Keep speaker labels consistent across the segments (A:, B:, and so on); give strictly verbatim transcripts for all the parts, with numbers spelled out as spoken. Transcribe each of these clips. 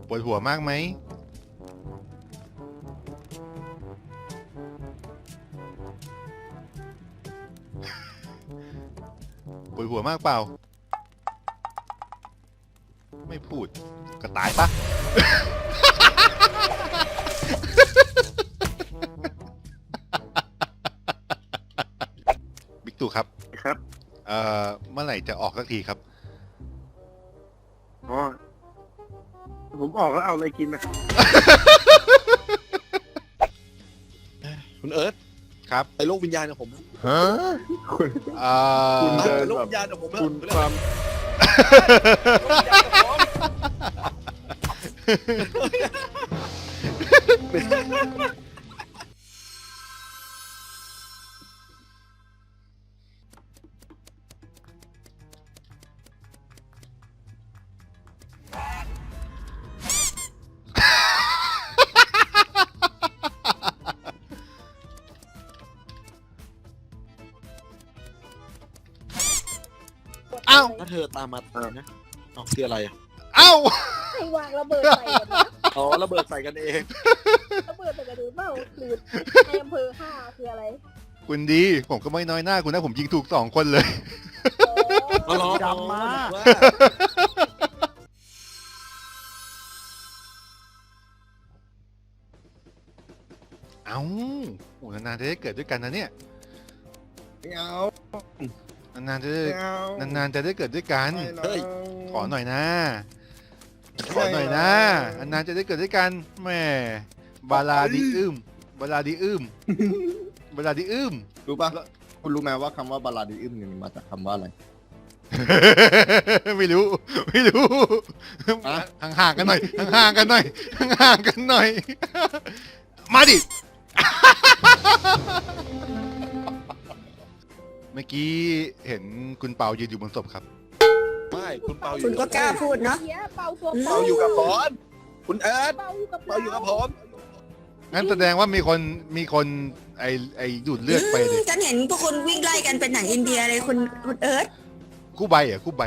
A: ปวดหัวมากไหมปวดหัวมากเปล่าไม่พูดก็ตายปะ บิ๊กตู่ครับ
B: ครับ
A: เอ่อเมื่อไหร่จะออกสักทีครับ
B: อ๋อผมออกแล้วเอาอะไรกินนะ
C: คุณเอิร์ธ
A: ครับ
C: ไปโลกวิญญาณกับผม
A: ฮะ
B: คุณ
A: เอ่อ
B: คุณ
C: ไป
B: เดิน
C: โลก
B: แบบ
C: วิญญาณกับผม
B: คุณความ
A: เอ้า
C: ถ้าเธอตามมาตามนะอ๋อคืออะไรอ่ะ
A: เอ้า
D: ให้วางระเบิดใส่กันนะ
C: อ๋อระเบิดใส่กันเอง
D: ระเบิดใส่กันหรือเปล่าหรือในอำเภอฆ่าคืออะไร
A: คุณดีผมก็ไม่น้อยหน้าคุณนะผมยิงถูกสองคนเลย
D: อ๋อ
C: อ๋อ
B: จำมา
C: ว่า
A: เอ้าโอ้นานๆจะได้เกิดด้วยกันนะเนี่ย
B: ไม่เอา
A: นานๆจะได้
B: ไม่เอา
A: นานๆจะได้เกิดด้วยกัน
B: ไม่อา
A: ขอหน่อยนะ ขอหน่อยนะนานๆจะได้เกิดด้วยกันแหม่บาลาดีอึมบาลาดีอึมบาลาดีอึม
E: รู้ป่ะ คุณรู้ไหมว่าคำว่าบาลาดิอึมเนี่ยมันมาจากคำว่าอะไร
A: ไม่รู้ ไม่รู้
E: อะ
A: ห่างๆกันหน่อยห่างๆกันหน่อยห่างๆกันหน่อย มาดิ เมื่อกี้เห็นคุณเปายืนอยู่บนศพครับ
C: ไม่คุณเปาอยู่
F: คุณก็กล้าพูดเนาะ
D: เสียเป่าตัว
C: เปาอยู่กับบอลคุณเอิร์ธ
D: เป่าอยู่กับ
C: เปาอยู่กับผม
A: งั้นแสดงว่ามีคนมีคนไอไอดูดเลือดไปเลย
F: ฉันเห็นพวกคุณวิ่งไล่กันเป็นหนังอินเดียเลยคุณคุณเอิร์ธ
A: คู่ใบเหรอ่ะคู่ใบ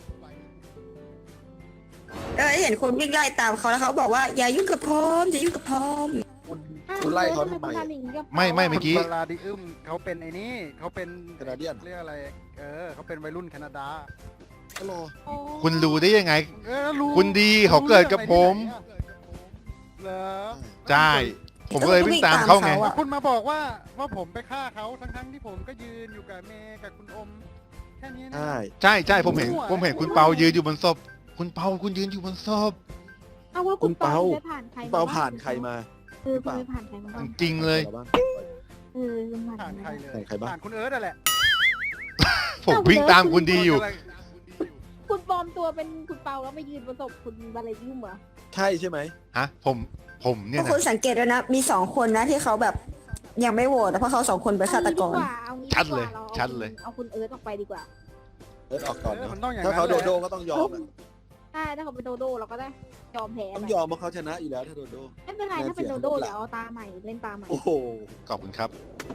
F: เออเห็นคนวิ่งไล่ตามเขาแล้วเขาบอกว่าอย่ายุ่งกับผมอย่ายุ่งกับผม
C: คุณไล่เขาทำไม
A: ไม่ไม่เมื่อกี้
G: บาลาดิอึมเขาเป็นไอ้นี่เขาเป็น
C: แคนาเดียน
G: เรียกอะไร เออเขาเป็นวัยรุ่นแคนาดา
C: ก็รอ
A: คุณรู้ได้ยังไง
G: เออรู้
A: คุณดีเขาเกิดกับผม
G: เหรอ
A: ใช่ผมก็เลยวิ่งตามเขาไง
G: แล้วคุณมาบอกว่าว่าผมไปฆ่าเขาทั้งทั้งๆที่ผมก็ยืนอยู่กับเมย์กับคุณอมแค่นี้นะ
C: ใช่
A: ใช่ใช่ผมเห็นผมเห็นคุณเปายืนอยู่บนศพคุณเปาคุณยืนอยู่บนศพ
D: เอาว่าคุณเปาไปผ่านใคร
C: คุณเปาผ่านใครมา
D: เออคุณไปผ่านใครมาบ้าง
A: จริงเลย
C: ใครบ้าง
D: เออคุณผ่า
G: ผ่าน น
D: ใค
G: ใค
D: ร
G: รเลย
C: ผ่านใครบ้าง
G: ผ่านคุณเอิร์ธอะแหละ
A: ผมวิ่งตามคุณดีอยู่
D: คุณปลอมตัวเป็นคุณเปาแล้วมายืนประสบคุณบาลายุ่มเหรอ
C: ใช่ใช่ไหม
A: ฮะผมผม
F: พ
A: เนี่ยว
F: ก
A: นะ
F: คุณสังเกตด้วยนะมีสองคนนะที่เขาแบบยังไม่โหวตเพราะเขาสองคนเป็นฆาตกร
D: เอางี้ดีกว่า
A: ชัดเลย
D: อา
A: ชัดเลย
D: เอาคุณเอิร์ธออกไปดีกว่า
C: เอิร์ธออกก่อน
G: เออ
C: นะ
G: มันต้องอย่าง
C: ถ้า
G: นั้น
C: เขา
G: แห
C: โด
G: ละ
C: โดก็ต้องยอมอะ
D: ใช่ถ้าเขาเป็นโดโดเราก็ได้ยอมแพ้
C: ต้อง
D: นะ
C: ยอมเพราะเขาชนะอยู่แล้วถ้าโดโด
D: ไม่เป็นไรถ้าเป็นโดโดเดี๋ยวเอาตาใหม่เล่นตาใหม่
C: โอ้โห
A: ขอบคุณครับ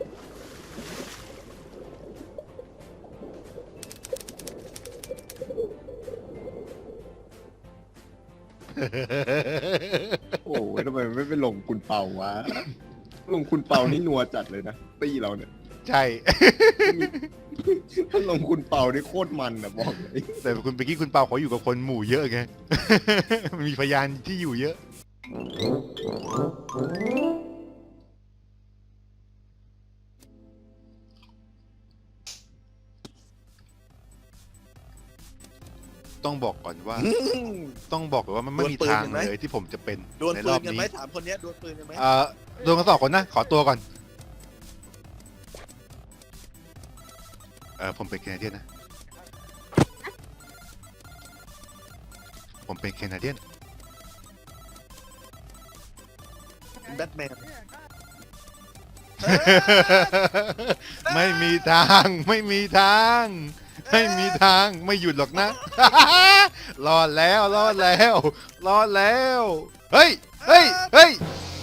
E: โอ้ยทำไมไม่ไปลงคุณเปาวะ ลงคุณเปานี่นัวจัดเลยนะตีเราเนี่ย
A: ใช่
E: ถ้าลงคุณเปานี่โคตรมันนะบอกเลย
A: แต่คุณเมื่อกี้คุณเปาเขาอยู่กับคนหมู่เยอะไง มีพยานที่อยู่เยอะ ต้องบอกก่อนว่า ต้องบอกก่อนว่ามันไม่มีทางเลยที่ผมจะเป็น
C: ดวล
A: ใน
C: ปื
A: รอน บ
C: กัน
A: นี้
C: ไหมถามคนเนี้ยดวลปืนกันไหม
A: เอ่อโดนกันสองคนนะ ขอตัวก่อน เออผมเป็นแคนาเดียนนะ ผมเป็นแคนาเดียน
C: แบทแมน
A: ไม่มีทาง ไม่มีทาง ไม่มีทาง ไม่หยุดหรอกนะ รอดแล้ว รอดแล้ว รอดแล้ว เฮ้ย เฮ้ย เฮ้ย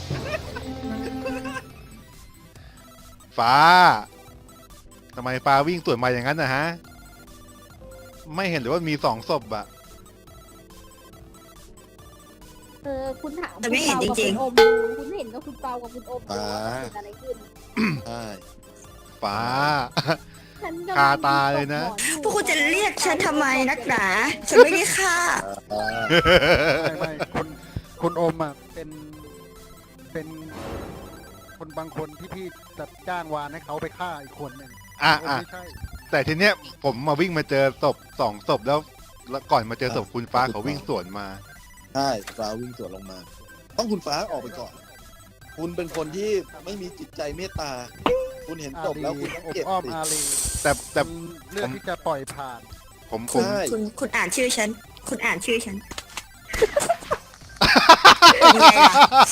A: ฟ้า ทำไมฟ้าวิ่งสวนมาอย่างนั้นนะฮะ ไม่เห็นหรือว่ามีสองศพอะ
D: เอออคุณถาม
F: แต่ไม่เห็น
D: คุณ
F: จริงๆ
D: เปากับคุณอมดูคุณเห็นกับคุณเปากับคุณอมดูว่าเกิดอะไรขึ้น
C: ใช่
A: ฟ้า
D: ฉันกำลัง
A: คาตาเลยนะ
D: ตบหมออยู่
F: พวกคุณจะเรียกฉันทำไมนักหนาฉันไม่ได้ฆ่า
C: อ่า
G: ไม่ไม่คุณคุณอมอ่ะเป็นเป็นคนบางคนที่พี่จะจ้างวานให้เขาไปฆ่าอีกคนหนึ่ง
A: อ่ะ
G: อม
A: อ่ะ
G: ไม่ใช่
A: แต่ทีเนี้ยผมมาวิ่งมาเจอศพสองศพแล้วแล้วก่อนมาเจอศพคุณฟ้าเขาวิ่งสวนมา
C: ใช่ฟ้าวิ่งสวนลงมา ต้องคุณฟ้าออกไปก่อน คุณเป็นคนที่ไม่มีจิตใจเมตตา คุณเห็นศพแล้วคุณต้อง
G: อบ
C: เก็บ
G: อ้อม
C: สิ
G: อารี
A: แต่แต่
G: คุณเลือกที่จะปล่อยผ่าน
A: ผมผม
C: ใช่
F: คุณคุณอ่านชื่อฉัน คุณอ่านชื่อฉันเป็นไงล่ะ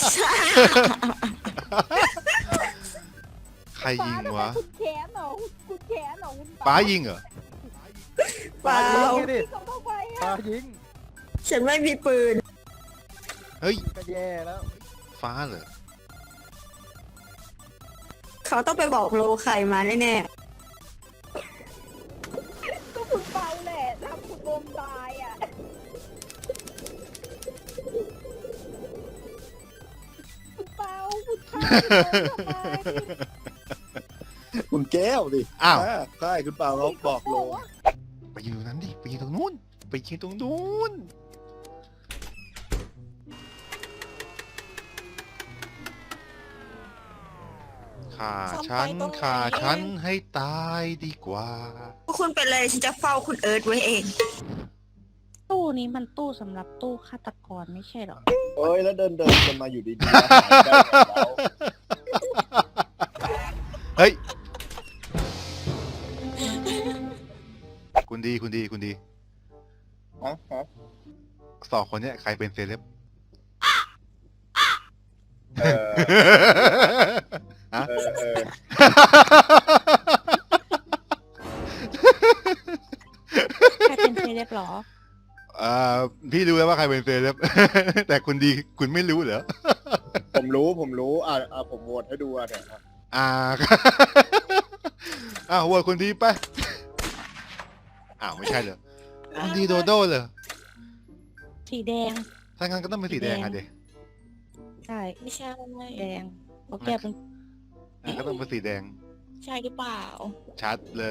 A: ใครยิงวะ
D: คุณแขนเหรอคุณแขนเหรอคุณ
A: ฟ้ายิงเหรอ
F: เปล่า
G: ยิงดิ
D: เขาเข้าไป
G: ปา
D: อะ
G: ยิง
F: ฉันไม่มีปืน
A: เฮ้ย
G: ก็แย่แล้ว
A: ฟ้าเหรอ
F: เขาต้องไปบอกโลใครมาแน่
D: ก็คุณเปาแหละทำคุณอมตายอ่ะคุณเปาคุณฆ่าคุณอมทำไม
C: คุณแก้วดิ
A: อ้าว
C: ใช่คุณเปาเขาบอกโล
A: ไปยิงตรงนั้นดิไปยิงตรงนู้นไปยิงตรงนู้นฆ่าฉันฆ่าฉันให้ตายดีกว่า
F: ๆพวกคุณเป็นเลยฉันจะเฝ้าคุณเอิร์ธไว้เอง
H: ตู้นี้มันตู้สำหรับตู้ฆาตกรไม่ใช่เหรอ
C: เอ้ยแล้วเดินเดินกันมาอยู่ดีๆแล้วหายได้ไงแล้ว
A: เฮ้ย คุณดีคุณดีคุณดี
E: อ๋ออ๋อ
A: สองคนเนี้ยใครเป็นเซเลบ
E: เออ
A: ฮะ
E: เออเออ
H: ใครเป็นเซเลบเหรอ
A: อ่าพี่รู้แล้วว่าใครเป็นเซเลบ แต่คุณดีคุณไม่รู้เหรอ
E: ผมรู้ผมรู้อ่าอ่าผมโหวตให้ดูอ่ะเนี่ยอ่ะ
A: อ่า อ้าวโหวตคุณดีไป อ้าวไม่ใช่เหรอคุณดีโดโด้เหรอ
H: สีแดง
A: ถ้างั้นก็ต้องเป็นสีแดงอ่ะเด็
H: ใช่
I: ไม่ใช่
H: แดงโอเคเป็น
A: ก็ต้องเป็นสีแดง
I: ใช่หรือเปล่า
A: ชัดเลย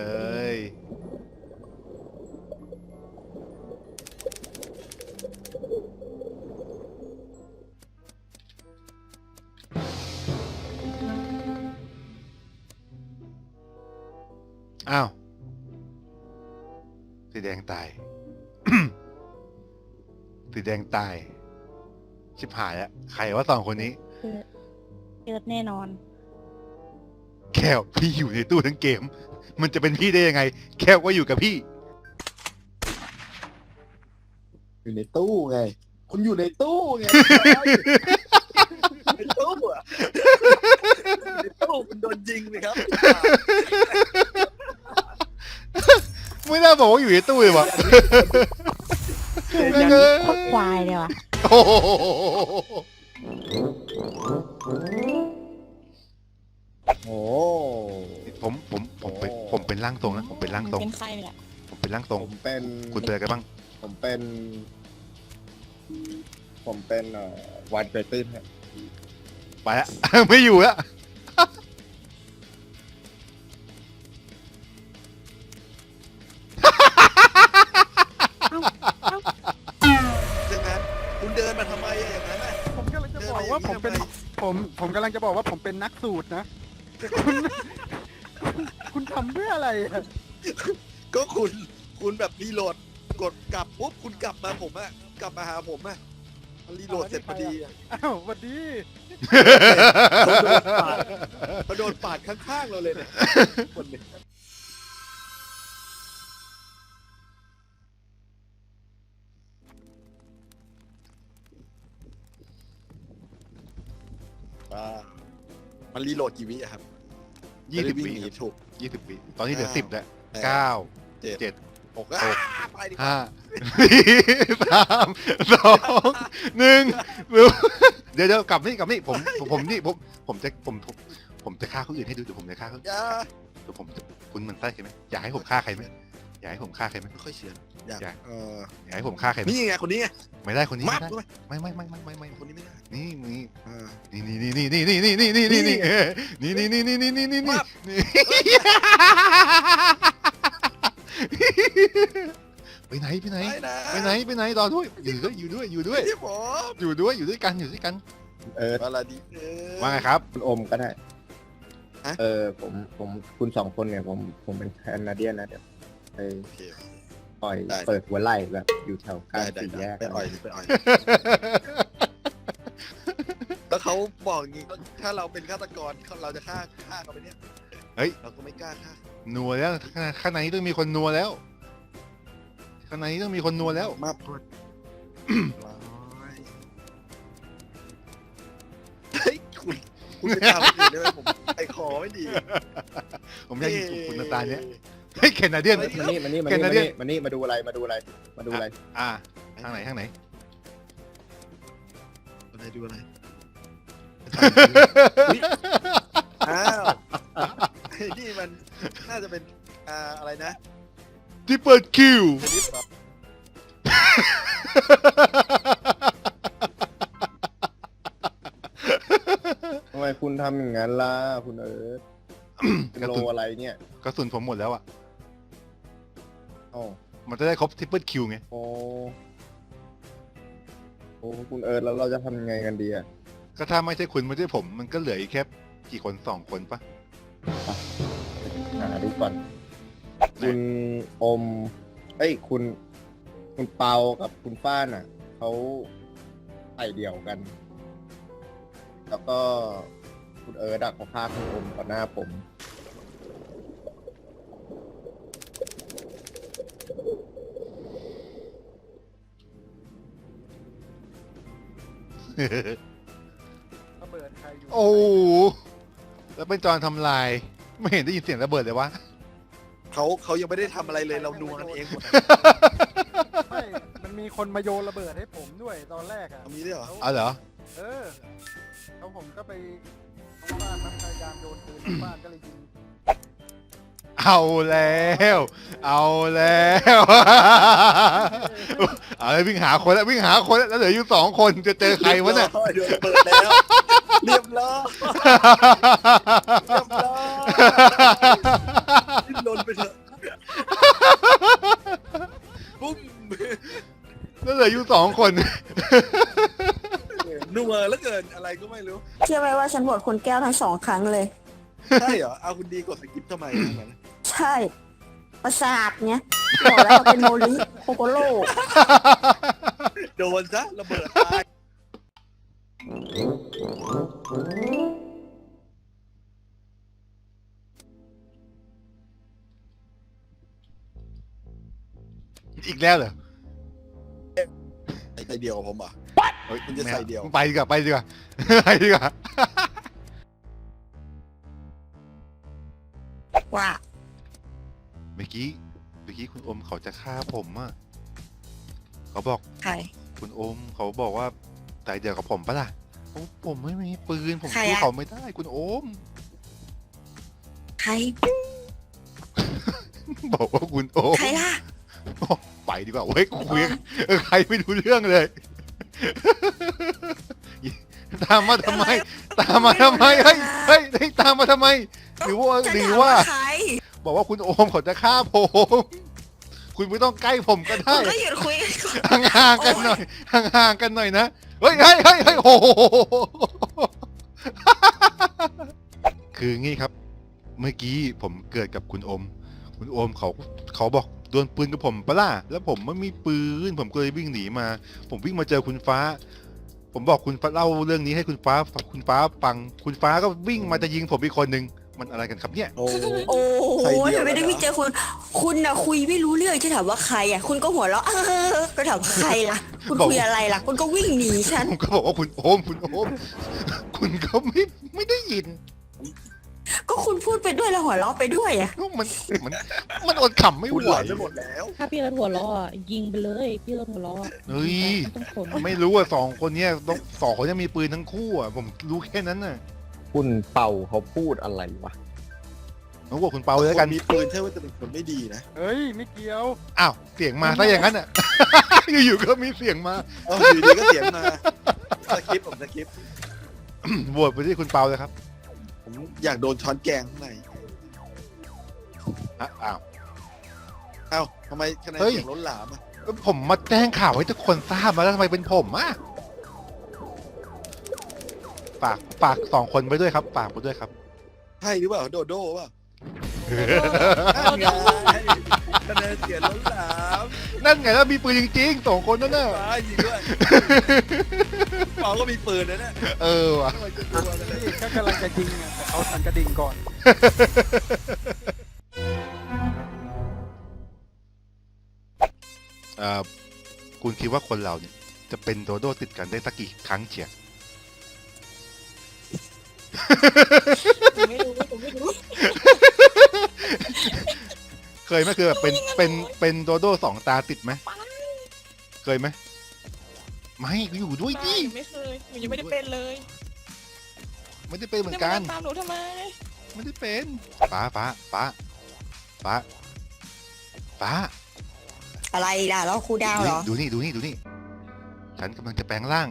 A: อ้าว สีแดงตาย สีแดงตาย ชิบหายอะใครว่าสองคนนี้
H: เกิดแน่นอน
A: แค่พี่อยู่ในตู้ทั้งเกม มันจะเป็นพี่ได้ยังไง แค่ว่าอยู่กับพี่
C: อยู่ในตู้ไง คุณอยู่ในตู้ไง ในตู้อะในตู้คุณโดนยิงเลยครับ
A: ไม่น่าบอกว่าอยู่ในตู้เลยวะ
H: ยังโคตรควายเลยว่ะ
A: โอ้โห
E: โอ้
A: ผมผมผมเป็นผมเป็นร่างทรงนะผมเป็นร่างทรง
I: เป็นใครเนี่ย
A: ผมเป็นร่างทรง
E: ผมเป็น
A: คุณเป็นอะไรกันบ้าง
E: ผมเป็น ผมเป็นเอ่อวันเกรติ้นฮะ
A: ไปละ ไม่อยู่แล้ว
C: ดังนั้นคุณเดินมาทำไมอะอย่างนั้นน่ะ
G: ผมกำลังจะบอกว่าผมเป็นผมผมกำลังจะบอกว่าผมเป็นนักสูตรนะคุณคุณคุณทำเพื่ออะไรอะ
C: ก็คุณคุณแบบรีโหลดกดกลับปุ๊บคุณกลับมาผมอะกลับมาหาผมอะมันรีโหลดเสร็จพอดีอะ
G: อ้าวสวัสดี
C: เขาโดนปาดข้างๆเราเลยเนี่ยคนเนี่ยอ่ามันรีโหลดกี่วิอะครับ
A: ยี่สิบ
C: จะได้
A: ปี
C: วิ่งหนีถูก
A: ยี่สิบปีตอนนี้เหลือสิบแล้ว
C: แปด
A: เก้า
C: เจ็ด
A: เจ็ด
C: หกอ่าไปดิ
A: ห้าสี่สามสองหนึ่งเดี๋ยวเดี๋ยวกลับนี่กลับนี่ผมผมผมนี่ผมผมจะผมผมผมจะฆ่าคนอื่นให้ดูเดี๋ยวผมจะฆ่าเขา
C: อย่า
A: เดี๋ยวผมจะคุณมันไส้ใช่ไหมอยากให้ผมฆ่าใครไหมอยากให้ผมฆ่าใครไหม
C: ไม่ค่อยเชื่ออยาก
A: อยาก
C: เออ
A: อยากให้ผมฆ่าใครไหม
C: นี่ไงคนนี้ไง
A: ไม่ได้คนนี้
C: มา
A: ไม่
C: กด้วย
A: ได้ไม่ไม่ไม่ไม่ไม่ไม่
C: คนนี้ไม่ได้
A: นี่นี่
C: เออ
A: นี่นี่นี่นี่นี่นี่นี่นี่นี่นี่เออนี่นี่นี่นี่นี่นี่นี่
C: มา
A: นี่ไปไหนไปไหน
C: ไปนะ
A: ไปไหนไปไหนรอด้วยอยู่ด้วยอยู่ด้วยอยู่ด้วย
C: พี่ผม
A: อยู่ด้วยอยู่ด้วยกันอยู่ด้วยกัน
E: เออ
C: อะไรดีเออ
A: ว่าไงครับ
E: คุณอมก็ได้
C: ฮะ
E: เออผมผมคุณสองคนเนี่ยผมผมเป็นแคนาเดียนนะเดี๋ยวไป
C: โอเค
E: ปล่อย
C: ได้
E: เปิดหัวไหล่แบบอยู่แถวกลา
C: ได้
E: ง
C: ได้
E: สี่
C: ได้
E: แยก
C: ไปอ่อยไปอ่อย แล้วเขาบอกอย่างงี้ถ้าเราเป็นฆาตกรเราจะฆ่าฆ่าเขาไปเนี่ย
A: เฮ้ย
C: เราก็ไม่กล้าฆ่า
A: นัวแล้วข้างในต้องมีคนนัวแล้วข้างในต้องมีคนนัวแล้ว
C: มาพดร้อยเฮ้ยคุณคุณไปทำอย่างอื่นได้ไหมผมไอคอไม่ดี
A: ผมอยากยิงคุณนาตาเนี้ยเฮ้ยแคนาเดียน
E: มานี่มานี่มา
A: แค
E: นี่
A: นา
E: มา
A: เดียน
E: นี่มานี่มาดูอะไรมาดูอะไรมาดูอะไร
A: อ่าทางไหนทางไหน
C: อะไรดูอะไรอ้าวไอ้นี่มันน่าจะเป็นอ่าอะไรนะ
A: ที่เปิดคิว
C: ชนิดเหรอ
E: ทำไมคุณทำอย่างนั้นล่ะคุณเอิร์ธเป็น
A: กระ
E: โล
A: สุน
E: อะไรเนี่ย
A: กระสุนผมหมดแล้วอ่ะ
E: อ๋อ
A: มันจะได้ครบทริปเปิลคิวไง
E: โอ้โอ้คุณเอิร์ธแล้วเราจะทำยังไงกันดีอ่ะ
A: ก็ถ้าไม่ใช่คุณไม่ใช่ผม มันก็เหลืออีกแค่กี่คนสองคนปะ
E: หาดูก่อน คุณอม เอ้ย คุณ คุณเปากับคุณฟ้านอ่ะ เขาใส่เดี่ยวกัน แล้วก็คุณเอิร์ดอะเขาฆ่าคุณอมต่อหน้าผม
G: ระเบิดใครอยู่
A: โอ้โหแล้วเป็นจอนทำลาย ไม่เห็นได้ยินเสียงระเบิดเลยวะ
C: เขาเขายังไม่ได้ทำอะไรเลยเราดูกันเองหมดอะ
G: ไม่มันมีคนมาโยนระเบิดให้ผมด้วยตอนแรกอ่ะ
C: มีด้วยเหรอ
A: เอาเหรอ
G: เออแล้วผมก็ไปทางบ้านมันพยายามโยนปืนทางบ้านก็เลยยิง
A: เอาแล้ว เอาแล้ว เอาเลยวิ่งหาคนแล้ววิ่งหาคนแล้วแล้วเหลืออยู่สองคนจะเจอใครวะเนี่ย
C: เดี๋ยวเปิดแล้วเรียบร้อยเรียบร้อยดิ้นรนไปเถอะปุ้ม
A: แล้วเหลืออยู่สองคน
C: นัวแล้วเกินอะไรก็ไม่รู้
F: เชื่อไหมว่าฉันโหวตคุณแก้วทั้งสองครั้งเลย
C: ใช่เหรอเอาคุณดีกดสกิปทำไมอย่างนั้น
F: ใช่ ประสาทเนี้ยบอกแล้วว่าเป็นโมลิโคโกโล
C: โดนซะระเบิดตาย
A: อีกแล้วเหรอ
C: ใส่เดียวกับผมอ่ะ
A: เฮ้ย
C: มันจะใส่เดี่ยว
A: ไปดีกว่าไปดีกว่า ไปดีกว่า
F: ว่า
A: เมื่อกี้เมื่อกี้คุณโอมเขาจะฆ่าผมอ่ะเขาบอก
F: ใคร
A: คุณโอมเขาบอกว่าใจเดียวกับผมปะล่ะผมผมไม่มีปืนผม
F: ใคร
A: สู้
F: อะ
A: เขาไม่ได้คุณโอม
F: ใคร
A: บอกว่าคุณโอม
F: ใครล่ะ
A: ไปดีกว่าเว้ยคุยกับเออใครไม่รู้เรื่องเลย ตามมาทำไม ตามมาทำไมเฮ้ยเฮ้ยเฮ้ยตามมาทำไม หรือว่า
F: จะ
A: หรือ
F: ถาม
A: ว่า
F: ว่าใคร
A: บอกว่าคุณโอมเขาจะฆ่าผม คุณไม่ต้องใกล้ผมก็
F: คุ
A: ได้
F: ณก็หยุดคุยกันก่อน
A: ห่างๆกันหน่อย ห่างๆกันหน่อยนะ เฮ้ยเฮ้ยเฮ้ยเฮ้ยโอ้โห คืองี้ครับ เมื่อกี้ผมเกิดกับคุณโอม คุณโอมเขาเขาบอกดวลปืนกับผมปะล่ะ แล้วผมไม่มีปืน ผมก็เลยวิ่งหนีมา ผมวิ่งมาเจอคุณฟ้า ผมบอกคุณฟ้าเล่าเรื่องนี้ให้คุณฟ้าคุณฟ้าฟัง คุณฟ้าก็วิ่งมาจะยิงผมอีกคนนึง มันอะไรกันครับเนี่ย
C: โอ้
F: โอ้โห
C: ใครเดียว
F: ทำไมได้
C: กันเหรอ
F: วิ่งเจอคุณ คุณน่ะคุยไม่รู้เรื่องจะถามว่าใครอ่ะ คุณก็หัวเราะเออก็ถามใครล่ะ คุณคุยอะไรล่ะ คุณก็วิ่งหนีฉัน
A: ผมก็บอกว่าคุณโอม คุณโอม คุณก็ไม่ไม่ได้ยิน
F: ก็คุณพูดไปด้วยแล้วหัวเราะไปด้วยอ่ะ
A: มันมันมันอดขำไม่
C: คุณ
A: ไห
C: ห
A: ว
C: ลอนไปหมดแล้ว
H: ถ้าพี่รถหัวล้ออะยิงไปเลยพี่รถหัวล้ออะ
A: เฮ้ย
H: ไม่ต้องสน
A: ไม่รู้ว่าสองคนเนี้ยต้องสองคนเนี้ยมีปืนทั้งคู่อ่ะ ผมรู้แค่นั้นน่ะ
E: คุณเป่าเขาพูดอะไรวะ
A: โอ้ผมบอกคุณเปาเลยแล้วกัน
C: คมีปืนใช่ว่าจะเป็นคนไม่ดีนะ
G: เฮ้ย ไม่เกี่ยว
A: อ้าวเสียงมาซะอย่างนั้นอ่ะ อยู่ๆก็มีเสียงมา
C: เอออยู่ดีก็เสียงมาสคริปต์ผมสคริปต์
A: โหวตไปที่คุณเปาเลยครับ
C: ผมอยากโดนช้อนแกงข้างใน
A: อ่ะอ้าว
C: เอ้าทำไมคะแนน
A: เฮ้ย
C: เสียงล้นหลามอ่ะ
A: ผมมาแจ้งข่าวให้ทุกคนทราบมาแล้วทำไมเป็นผมอ่ะฝากฝากสองคนไปด้วยครับฝากไปด้วยครับ
C: ใช่หรือเปล่าโดโด้เปล่านั่นไงคะแนนเสียงล้นหลาม
A: นั่นไงแล้วมีปืนจริงๆสองคนนั่นน่ะ
C: ฟ้ายิงด้วยเปาก็มีปืนนะเนี่ย
A: เออว่ะ
C: ทำไมจะกลัวกันเลย
G: นี่ก็กำลังจะยิงอะแต่เขาสั่นกระดิ่งก่อน
A: เอ่อคุณคิดว่าคนเราเนี่ยจะเป็นโดโดติดกันได้สักกี่ครั้งเชีย
F: หนูไม่รู้หนูไม่รู้
A: เคยไหมคือแบบเป็นเป็นเป็นโดโดสองตาติดไหมเคยไหมไม่ก็อยู่ด้วยดิ
I: ไม่เคยหนูยังไม่ได้เป็นเลย
A: ไม่ได้เป็นเหมือนกัน
I: จะาตามหนูทำไม
A: ไม่ได้เป็นฟ้าฟ้าฟ้าฟ้าฟ้า
F: อะไรล่ะแล้วครูดาวเหรอ
A: ดูนี่ดูนี่ดูนี่ฉันกำลังจะแปลงร่าง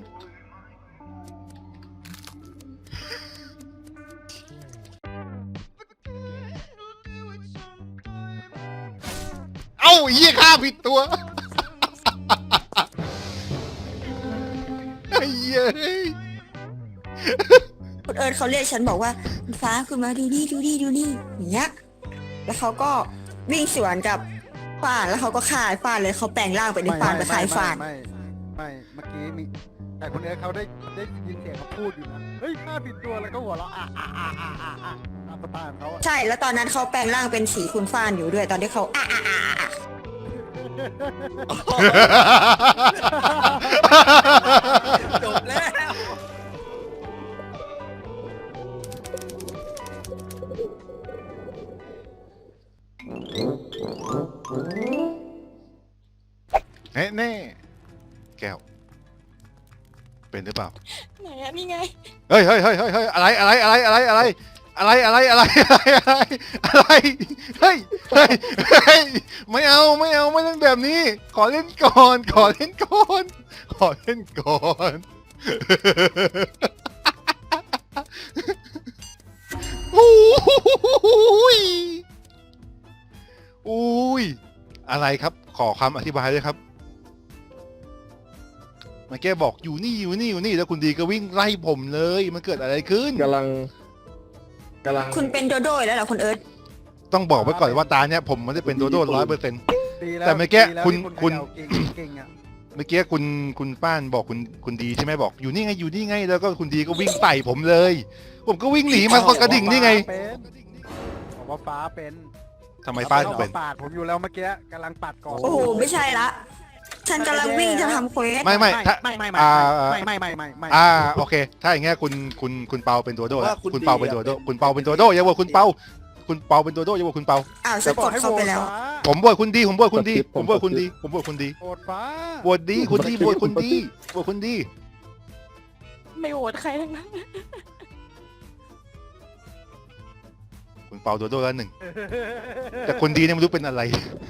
A: เอ้าเหี้ยข้าผิดตัวไอ้เหี้ย
F: คุณเอิร์ธเขาเรียกฉันบอกว่าคุณฟ้าคุณมาดูนี่ดูนี่ดูนี่อย่างเงี้ยแล้วเขาก็วิ่งสวนกับฟานแล้วเขาก็ฆ่าฟานเลยเขาแปลงร่างเป็นฟานไปขายฟาน
G: ไม่ไม่ไม่เมื่อกี้มีแต่คุณเอ๋เขาได้ได้ยินเสียงเขาพูดอยู่นะเฮ้ยฆ่าผิดตัวแล้วก็หัวเราะอ่ะอ่ะอ่ะอ่ะอ่ะอ่ะตามสไตล์ของเขาอะ
F: ใช่แล้วตอนนั้นเขาแปลงร่างเป็นสีคุณฟานอยู่ด้วยตอนที่เขาอ่ะอ่ะอ่ะอ่ะ
C: จบแล้ว
A: แน่แน่แก้ว เป็นหรือเปล่า
I: ไหนอะนี่ไง
A: เฮ้ยเฮ้ยเฮ้ยเฮ้ยเฮ้ยอะไรอะไรอะไรอะไรอะไรอะไรอะไรอะไรอะไรอะไรอะไรเฮ้ยเฮ้ยเฮ้ยไม่เอาไม่เอาไม่เล่นแบบนี้ ขอเล่นก่อน ขอเล่นก่อน ขอเล่นก่อนโอ้ยอุ้ยอะไรครับ ขอคำอธิบายด้วยครับมันแกบอกอยู่นี่อยู่นี่อยู่นี่แล้วคุณดีก็วิ่งไล่ผมเลยมันเกิดอะไรขึ้น
E: กำลังกำลัง
F: คุณเป็นโดโด้แล้วเหรอคุณเอิร์ธ
A: ต้องบอกไว้ก่อนว่าตาเนี้ยผมไม่ได้เป็นโดโด้ร้อยเปอร์เซ็นต์
G: ดีล้ว
A: แต่เมื่อกี้
G: ดีแล้ว
A: คุณ
G: ที่
A: คุณ
G: เขย่าเก่งเก่งอ่ะ
A: เมื่อกี้คุณคุณป้านบอกคุณคุณดีใช่ไหมบอกอยู่นี่ไงอยู่นี่ไงแล้วก็คุณดีก็วิ่งใส่ผมเลย ผมก็วิ่งหนีมันก็กระดิ่งนี่ไง
G: บอกว่าฟ้าเป็น
A: ทำไมป้าน
G: เขา
A: เป็น
G: ปาดผมอยู่แล้วเมื่อกี้กำลังปัดก่อน
F: โอ้โหไม่ใช่ละฉันกำลังวิ่งจะทำเควส
A: ไม่ไม่ถ้า
G: ไม่ไม่ไม่
A: อ่า
G: ไม่ไม่ไม่ไม่ไม่
A: อ่าโอเค ถ้าอย่างเงี้ยคุณคุณคุณเปาเป็นโดโด้แล้ว
C: ว่าคุณ
A: คุณเปา
C: ดี
A: เป็นโดโด้
C: อะ
A: คุณเปาเป็นโดโด้อย่าบอกคุณเปาคุณเปาเป็นโดโด้อย่าบอกคุณเปา
F: อ้าวฉันกดเข้าไปแล้ว
A: ผมบวชคุณดีผมบวชคุณดีผมบวชคุณดีผมบวชคุณดี
G: โอดฟ้า
A: บวชดีคุณดีบวชคุณดีบวชคุณดี
I: ไม่โหวตใครทั้งนั้น
A: คุณเปาโดโด้แล้วหนึ่งแต่คนดีเนี่ยไม่รู้เป็นอะไร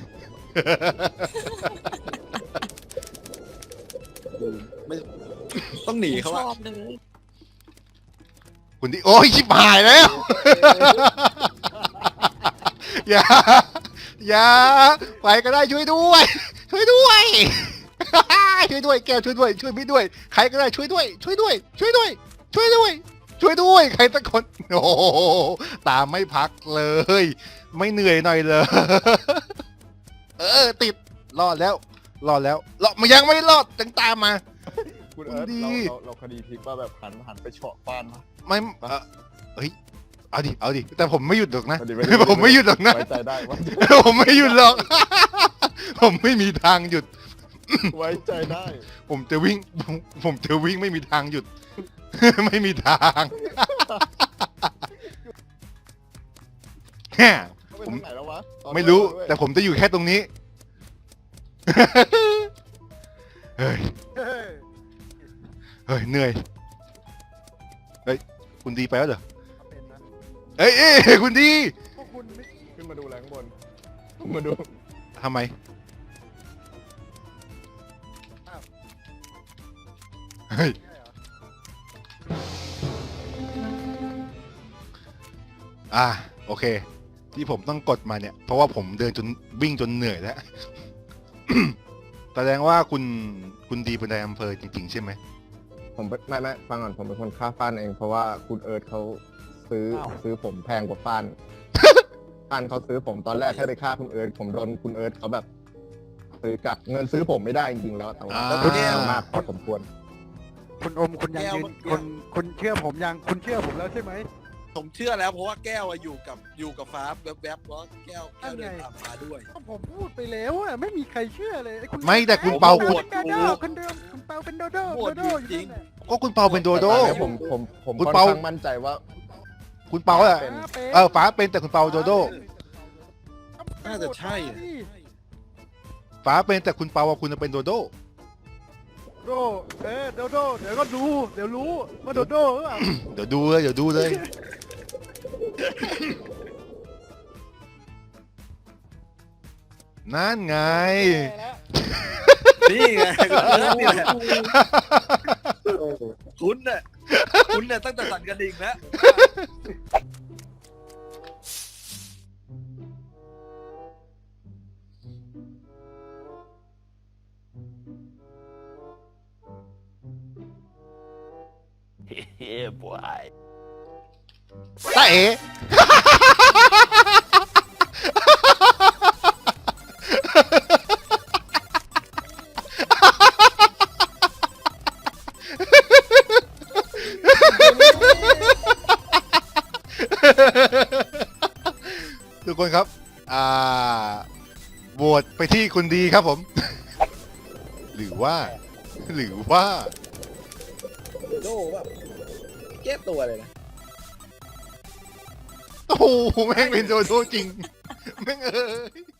C: ไม่ต้องหนีเขา
I: ช
C: อะ
I: อบเลย
A: คุณดีโอ้ยชิบหายแล้ว อย่าอย่าไปก็ได้ช่วยด้วย ช่วยด้วย ช่วยด้วยแก้วช่วยด้วยช่วยพี่ด้วย ใครก็ได้ช่วยด้วย ช่วยด้วย ช่วยด้วย ช่วยด้วย ช่วยด้วย ใครสักคนโอ้โหตามไม่พักเลย ไม่เหนื่อยหน่อยเลย เออติดรอดแล้วรอดแล้วรอดมันยังไม่รอดจังตามมา
E: คุณเอิร์ธ
A: ดี
E: เราเราเราคดีพลิกว่าแบบหันหันไปเฉาะฟานมา
A: ไม่เอ่อเฮ้ยเอาดิเอาดิแต่ผมไม่หยุดหรอกนะ
E: ไม่ดีไม่ดี
A: ผมไม่หยุดหรอกนะ
E: ไว้ใจได้ไว้
A: ผมไม่หยุดหรอก ผมไม่มีทางหยุด
E: ไว้ใจได้
A: ผมจะวิ่ง ผมผมจะวิ่งไม่มีทางหยุด ไม่มีทาง แฮ่
E: เขาไป
A: ผม
E: ทางไหนแล้ววะตอน
A: ไม่รู้
E: ด้วย
A: แต่ผมจะอยู่แค่ตรงนี้ เฮ้ย
G: เฮ้ย
A: เฮ้ย เหนื่อย เฮ้ย คุณดีไปแล้วเหรอ
G: เอาเป็นนะ
A: เอ้ยเอ้ยคุณดี
G: พวกคุณไม่
E: ขึ้นมาดูอะไรข้างบนมาดู
A: ทำไม เฮ้ย อ่ะโอเค ที่ผมต้องกดมาเนี่ย เพราะว่าผมเดินจนวิ่งจนเหนื่อยแล้ว แสดงว่าคุณคุณดีเป็นนายอำเภอจริงๆใช่ไหม
E: ผมเป็นไม่ไม่ฟังก่อนผมเป็นคนฆ่าฟ้านเองเพราะว่าคุณเอิร์ธเขาซื้อซื้อผมแพงกว่าฟ้าน ฟ้านเขาซื้อผมตอนแรกแค่ไปฆ่าคุณเอิร์ธผมโดนคุณเอิร์ธเขาแบบ ซื้อกลับเงินซื้อผมไม่ได้จริงๆแล้วแต่ว่า
A: อ่า
E: ก็แย่มากพอสมควร
G: คุณอมคุณยังยืนคุณคุณเชื่อผมยังคุณเชื่อผมแล้วใช่ไหม
C: ผมเชื่อแล้วเพราะว่าแก้วอะอยู่กับอยู่กับฟ้าแวบๆแล้วแก้วแก้วเดินตามฟ้าด้วย
G: ก็ผมพูดไปแล้วอะไม่มีใครเชื่อเลยอ้คุณ
A: ไม่แต่คุณเปา
G: คุณ
A: คุณ
G: โดโดคนเดิมคุณเปาเป็นโดโด
C: โห
G: โด
C: วต
G: โด
C: อยู่
G: อยู่
C: จริ
G: นั่
C: ง
G: นแหละ
A: ก็คุณเปาเป็นโดโด
E: แต่ตอนนี้ผมผมผม
A: คุณ
E: ค่อน
A: เปา
E: ข้างมั่นใจว่า
A: คุณเปาอะ
E: เป็น
A: เออฟ้าเป็นแต่คุณเปาโดโด
C: น่าจะใช่อะ
A: ฟ้าเป็นแต่คุณเปาว่าคุณจะเป็นโดโด
G: โดเออโดโดเดี๋ยวก็ดูเดี๋ยวรู้ว่าโดโดหรือเปล่า
A: เดี๋ยวดูเลยเดี๋ยวดูเลย นั่นไง
C: นี่ไงนี่แหละคุณน่ะคุณน่ะตั้งแต่สั่นกระดิ่งแล้ว
A: ตาเอ๋ ทุกคนครับ อ่าโหวตไปที่คุณดีครับผม หรือว่า หรือว่า
C: โดแบบแก้ตัวเลยนะ
A: โอ้โหแม่งเป็นโดโดจริง แม่งเอ้ย